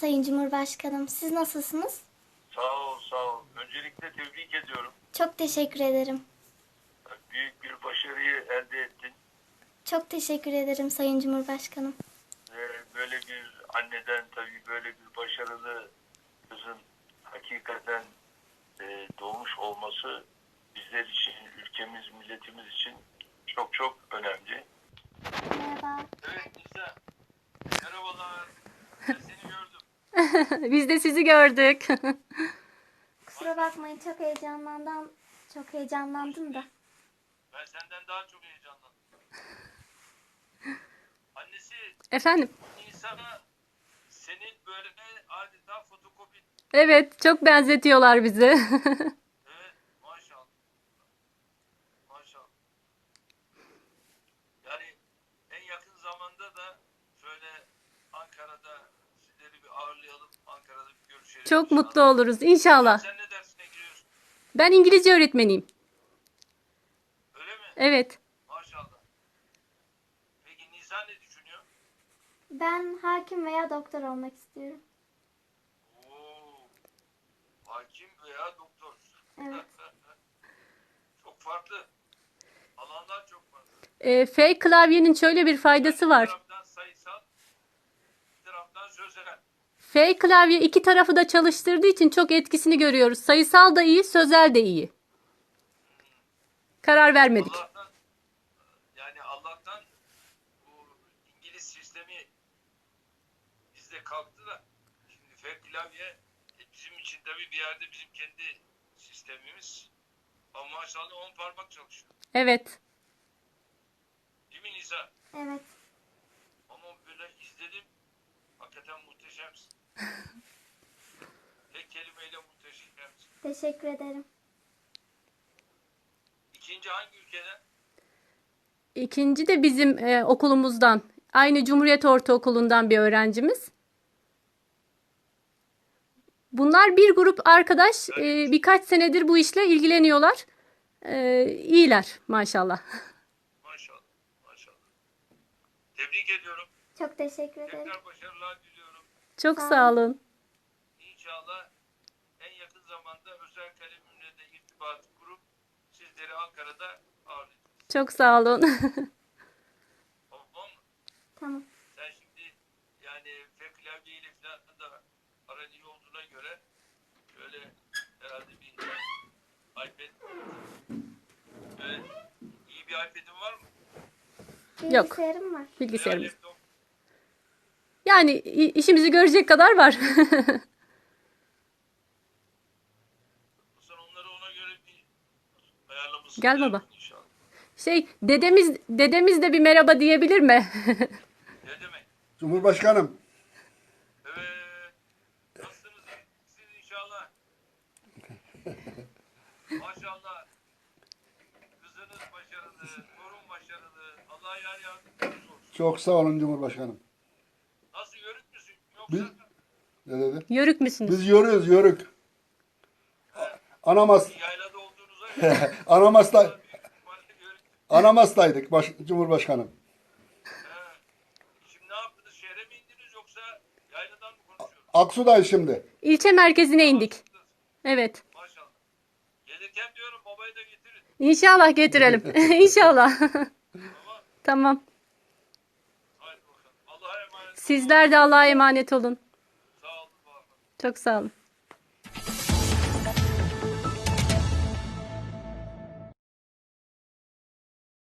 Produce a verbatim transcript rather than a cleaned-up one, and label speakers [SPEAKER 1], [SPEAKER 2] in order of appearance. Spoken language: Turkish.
[SPEAKER 1] Sayın Cumhurbaşkanım. Siz nasılsınız?
[SPEAKER 2] Sağ ol, sağ ol. Öncelikle tebrik ediyorum.
[SPEAKER 1] Çok teşekkür ederim.
[SPEAKER 2] Büyük bir başarıyı elde ettin.
[SPEAKER 1] Çok teşekkür ederim Sayın Cumhurbaşkanım.
[SPEAKER 2] Ve böyle bir anneden tabii böyle bir başarılı kızın hakikaten e, doğmuş olması bizler için, ülkemiz, milletimiz için çok çok önemli.
[SPEAKER 1] Merhaba.
[SPEAKER 2] Evet Nisa, merhabalar. Ben seni gördüm.
[SPEAKER 3] Biz de sizi gördük.
[SPEAKER 1] Kusura bakmayın, çok heyecanlandım. Çok heyecanlandım da.
[SPEAKER 2] Ben senden daha çok heyecanlandım. Annesi
[SPEAKER 3] Efendim?
[SPEAKER 2] Nisa'na senin böyle adeta fotokopi.
[SPEAKER 3] Evet, çok benzetiyorlar bizi.
[SPEAKER 2] Evet, maşallah. Maşallah. Yani en yakın zamanda da şöyle Ankara'da sizleri bir ağırlayalım. Ankara'da bir görüşelim.
[SPEAKER 3] Çok
[SPEAKER 2] inşallah.
[SPEAKER 3] mutlu oluruz inşallah.
[SPEAKER 2] Sen ne dersine giriyorsun?
[SPEAKER 3] Ben İngilizce öğretmeniyim.
[SPEAKER 2] Öyle mi?
[SPEAKER 3] Evet.
[SPEAKER 2] Maşallah. Peki Nisan ne düşünüyor?
[SPEAKER 1] Ben hakim veya doktor olmak istiyorum.
[SPEAKER 2] Oo, hakim veya doktor.
[SPEAKER 1] Evet.
[SPEAKER 2] Çok farklı. Alanlar çok farklı.
[SPEAKER 3] E, F klavyenin şöyle bir faydası
[SPEAKER 2] Bir
[SPEAKER 3] var.
[SPEAKER 2] taraftan sayısal, bir taraftan sözel.
[SPEAKER 3] F klavye iki tarafı da çalıştırdığı için çok etkisini görüyoruz. Sayısal da iyi, sözel de iyi. Karar vermedik.
[SPEAKER 2] Allah'tan yani Allah'tan bu İngiliz sistemi bizde kalktı da şimdi F klavye e, bizim için tabii bir yerde bizim kendi sistemimiz ama maşallah on parmak çalışıyor.
[SPEAKER 3] Evet.
[SPEAKER 2] Değil mi Nisa?
[SPEAKER 1] Evet.
[SPEAKER 2] Ama böyle izledim. Hakikaten muhteşemsin. Tek kelimeyle muhteşemsin.
[SPEAKER 1] Teşekkür ederim.
[SPEAKER 2] İkinci hangi ülkeden?
[SPEAKER 3] İkinci de bizim e, okulumuzdan. Aynı Cumhuriyet Ortaokulu'ndan bir öğrencimiz. Bunlar bir grup arkadaş. e, birkaç senedir bu işle ilgileniyorlar. E, iyiler maşallah.
[SPEAKER 2] Maşallah. Maşallah. Tebrik ediyorum.
[SPEAKER 1] Çok teşekkür ederim.
[SPEAKER 2] Tekrar başarılar diliyorum.
[SPEAKER 3] Çok
[SPEAKER 1] Sağ
[SPEAKER 3] sağ olun.
[SPEAKER 2] İnşallah en yakın zamanda özel kalemimle de irtibat kurup sizleri Ankara'da ağırlayacağız.
[SPEAKER 3] Çok sağ olun.
[SPEAKER 2] Tamam mı?
[SPEAKER 1] Tamam.
[SPEAKER 2] Sen şimdi yani F klavyeyle falan da aran iyi olduğuna göre şöyle herhalde bir iPad ve iyi bir iPad'in var mı?
[SPEAKER 3] Yok.
[SPEAKER 1] Bilgisayarım var.
[SPEAKER 2] Veya
[SPEAKER 3] Bilgisayarımız.
[SPEAKER 2] laptop.
[SPEAKER 3] Yani i- işimizi görecek kadar var.
[SPEAKER 2] Sen onları ona göre bir ayarlamasını
[SPEAKER 3] Gel
[SPEAKER 2] da
[SPEAKER 3] baba.
[SPEAKER 2] yapın inşallah.
[SPEAKER 3] Şey, dedemiz dedemiz de bir merhaba diyebilir mi?
[SPEAKER 2] Ne demek?
[SPEAKER 4] Cumhurbaşkanım,
[SPEAKER 2] Evet. Nasılsınız? İyisiniz inşallah. Maşallah. Kızınız başarılı, torun başarılı. Allah yar yardımcınız olsun.
[SPEAKER 4] çok sağ olun Cumhurbaşkanım.
[SPEAKER 2] Nasıl yörük müsün? Yoksa
[SPEAKER 4] Biz, ne dedi?
[SPEAKER 3] Yörük müsünüz?
[SPEAKER 4] Biz yörüyoruz, yörük. Anamas,
[SPEAKER 2] yaylada olduğunuza göre
[SPEAKER 4] Anamas'ta,
[SPEAKER 2] büyük ihtimalle yörük.
[SPEAKER 4] Anamas'taydık baş, Cumhurbaşkanım.
[SPEAKER 2] He. Şimdi ne yaptınız? Şehre mi indiniz yoksa yayladan mı konuşuyoruz?
[SPEAKER 4] Aksu'dayız şimdi.
[SPEAKER 3] İlçe merkezine indik. Evet.
[SPEAKER 2] Maşallah. Gelirken diyorum babayı da getirin.
[SPEAKER 3] İnşallah getirelim. İnşallah.
[SPEAKER 2] Tamam.
[SPEAKER 3] Tamam.
[SPEAKER 2] Haydi bakalım. Allah'a emanet olun.
[SPEAKER 3] Sizler de Allah'a emanet olun.
[SPEAKER 2] Sağ olun. Var olun.
[SPEAKER 3] Çok sağ olun.